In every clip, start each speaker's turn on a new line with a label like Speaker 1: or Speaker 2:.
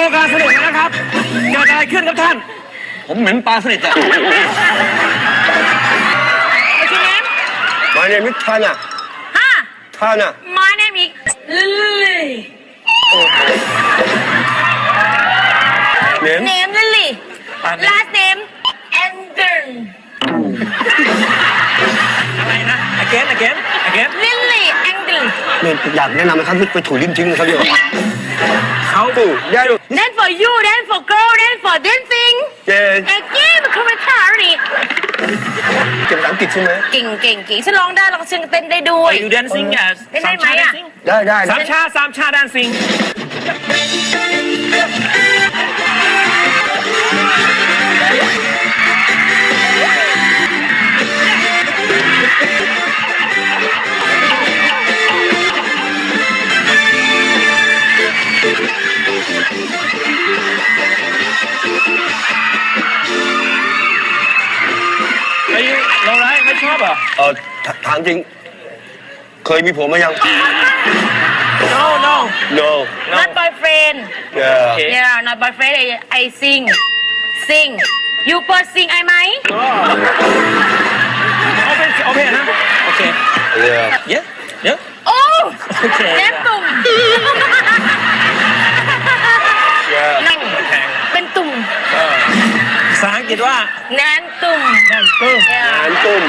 Speaker 1: ว์การสนุกนะครับเกิดอะไรขึ้นครับท่านผมเหม็นปลาสลิดอะ
Speaker 2: My name is Tana. Tana.
Speaker 3: My name is Lily.
Speaker 2: Name?
Speaker 3: Name Lily. Last name Anderson.
Speaker 1: อะไรนะ again
Speaker 3: Lily Anderson.
Speaker 2: เนี่ยอยากแนะนำนะครับไปถูลิ้นทิ้งนะครับเดี๋ยว
Speaker 1: เขาดู
Speaker 2: ได้ดู
Speaker 3: Then for you, then for girl, then for dancing.
Speaker 2: เก่ง
Speaker 3: Again, มันคือไม่ท่าดิ
Speaker 2: เก่งภาษาอังกฤษใช่ไหม
Speaker 3: เก่งฉันร้องได้แล้วก็ฉันเต้นได้ด้วย
Speaker 1: Are you dancing yes
Speaker 3: ได้ไหมอะ
Speaker 2: ได้
Speaker 1: สามชา dancing เราไรไม่ชอบอ่ะ
Speaker 2: ถามจริง เคยมีผัวมายัง
Speaker 1: no no
Speaker 2: No
Speaker 3: Not boyfriend
Speaker 2: Yeah
Speaker 3: Yeah not boyfriend I sing You first sing ไอไหม
Speaker 1: โอเคนะโอเค
Speaker 2: Yeah
Speaker 1: เยอะ
Speaker 3: โอ้
Speaker 1: โอเค
Speaker 3: แนมตุ่ม
Speaker 2: Yeah
Speaker 3: นั่งเป็นตุ่ม
Speaker 1: ภาษาอังกฤษว่า
Speaker 3: แนนตุ่ม
Speaker 1: นั่นตึ้ง
Speaker 3: Yeah
Speaker 2: งานตุ้ม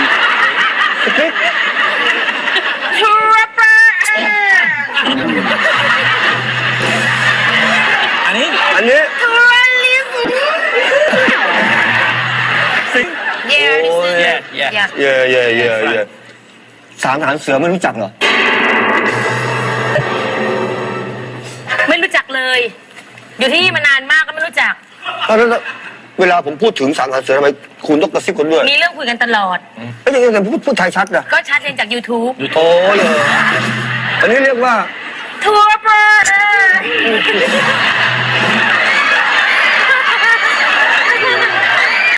Speaker 3: ทูรปา
Speaker 1: อันนี้
Speaker 3: ทูรลิส
Speaker 1: สิง
Speaker 3: Yeah this is
Speaker 1: Yeah
Speaker 2: Yeah สามทหารเสือไม่รู้จักเหรอ
Speaker 3: ไม่รู้จักเลย อยู่ที่นี่มานานมากก็ไม่รู้จัก
Speaker 2: แล้วเวลาผมพูดถึงสามทหารเสือทำไมคุณต้องกระซิบคนด้วย
Speaker 3: มีเรื่องคุยกันตลอด
Speaker 2: เอ้ยยังไงพูดไทยชัดนะ
Speaker 3: ก็ชัดเรียนจาก YouTube
Speaker 2: โอ้ยอันนี้เรียกว่า
Speaker 3: ทัวร์เปอร์